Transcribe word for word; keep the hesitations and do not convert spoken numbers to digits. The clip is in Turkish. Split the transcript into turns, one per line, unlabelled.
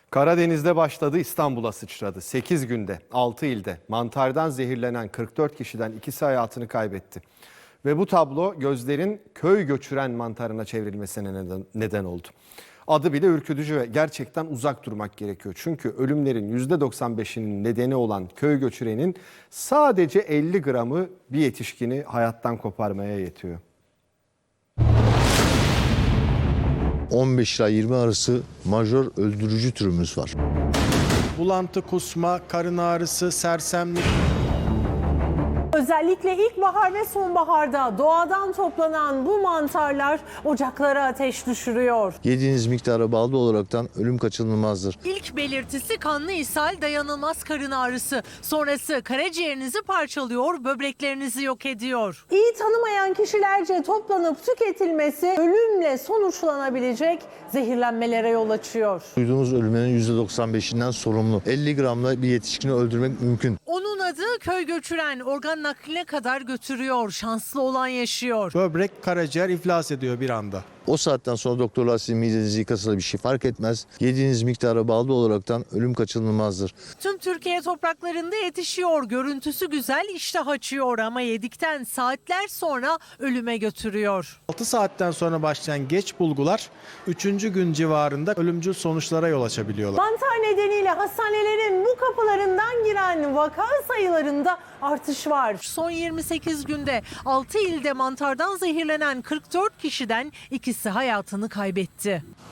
Karadeniz'de başladı, İstanbul'a sıçradı. sekiz günde altı ilde mantardan zehirlenen kırk dört kişiden ikisi hayatını kaybetti. Ve bu tablo gözlerin köy göçüren mantarına çevrilmesine neden, neden oldu. Adı bile ürkütücü ve gerçekten uzak durmak gerekiyor. Çünkü ölümlerin yüzde doksan beşinin nedeni olan köy göçürenin sadece elli gramı bir yetişkini hayattan koparmaya yetiyor.
on beş ila yirmi arası majör öldürücü türümüz var.
Bulantı, kusma, karın ağrısı, sersemlik.
Özellikle ilkbahar ve sonbaharda doğadan toplanan bu mantarlar ocaklara ateş düşürüyor.
Yediğiniz miktara bağlı olaraktan ölüm kaçınılmazdır.
İlk belirtisi kanlı ishal, dayanılmaz karın ağrısı. Sonrası karaciğerinizi parçalıyor, böbreklerinizi yok ediyor.
İyi tanımayan kişilerce toplanıp tüketilmesi ölümle sonuçlanabilecek zehirlenmelere yol açıyor.
Duyduğunuz ölümlerin yüzde doksan beşinden sorumlu. elli gramla bir yetişkini öldürmek mümkün.
Onun adı köy göçüren, organ nakline kadar götürüyor. Şanslı olan yaşıyor.
Böbrek, karaciğer iflas ediyor bir anda.
O saatten sonra doktorlar sizin midenizi yıkasa da bir şey fark etmez. Yediğiniz miktara bağlı olaraktan ölüm kaçınılmazdır.
Tüm Türkiye topraklarında yetişiyor. Görüntüsü güzel, iştah açıyor ama yedikten saatler sonra ölüme götürüyor.
altı saatten sonra başlayan geç bulgular üçüncü gün civarında ölümcül sonuçlara yol açabiliyorlar.
Mantar nedeniyle hastanelerin bu kapılarından giren vaka sayılarında artış var.
Son yirmi sekiz günde altı ilde mantardan zehirlenen kırk dört kişiden ikisi hayatını kaybetti.